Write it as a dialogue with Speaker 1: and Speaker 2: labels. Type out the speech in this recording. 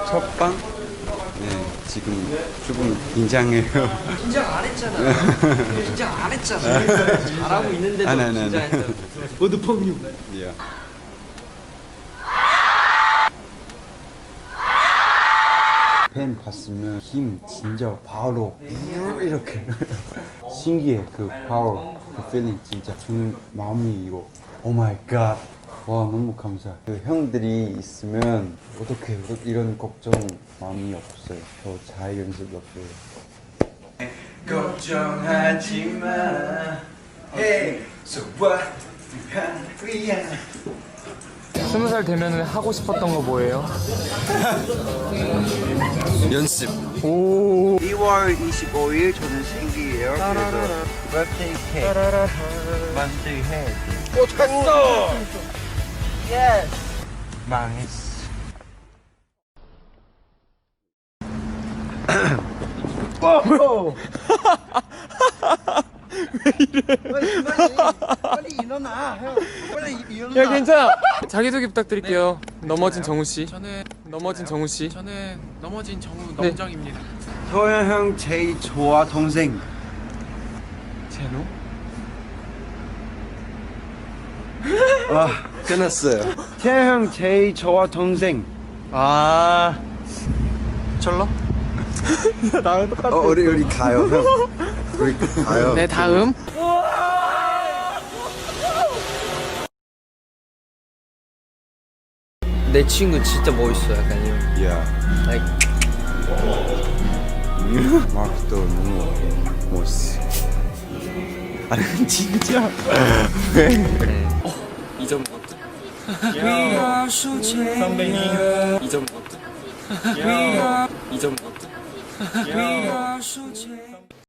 Speaker 1: 첫방? 네, 지금 조금 긴장해요.
Speaker 2: 긴장 안 했잖아. 긴장 안 했잖아. 잘하고 있는데도 긴장했다고. 모두 펑유.
Speaker 1: 예. 팬 봤으면 힘 진짜 바로 이렇게 신기해. 그 파워, 그 필링 진짜 저는 마음이 이거 오 마이 갓. 와 너무 감사해. 그 형들이 있으면 어떻게 이런 걱정 마음이 없어요. 저 잘 연습했어요. 걱정하지 마. Hey, so what?
Speaker 3: 20살 되면 하고 싶었던 거 뭐예요?
Speaker 1: 연습.
Speaker 3: 오.
Speaker 1: 2월 25일 저는 생일이에요. 그래서 birthday cake 만들해.
Speaker 2: 오 됐어.
Speaker 1: Yes. 망했어.
Speaker 2: 빨리 일어나. 형. 빨리 일어나.
Speaker 3: 야 괜찮아. 자기소개 부탁드릴게요. 넘어진 정우 씨.
Speaker 4: 저는
Speaker 3: 넘어진 정우 씨.
Speaker 4: 저는 넘어진 정우
Speaker 3: 네.
Speaker 4: 넘정입니다.
Speaker 1: 도현 형 제일 좋아 동생.
Speaker 3: 제노?
Speaker 1: 아 끝났어요. 태현 형 제일 좋아 동생. 아
Speaker 3: 철러? 나랑 똑같아.
Speaker 1: 우리 가요 형. 우리 가요.
Speaker 3: 네 다음.
Speaker 2: 내 친구 진짜 멋있어. 약간 이런.
Speaker 1: 야.
Speaker 2: Like,
Speaker 1: 마크도 너무 멋있어. 아니 진짜.
Speaker 3: 이점 먹자. 선배님. 이점 먹자. 이점 먹자.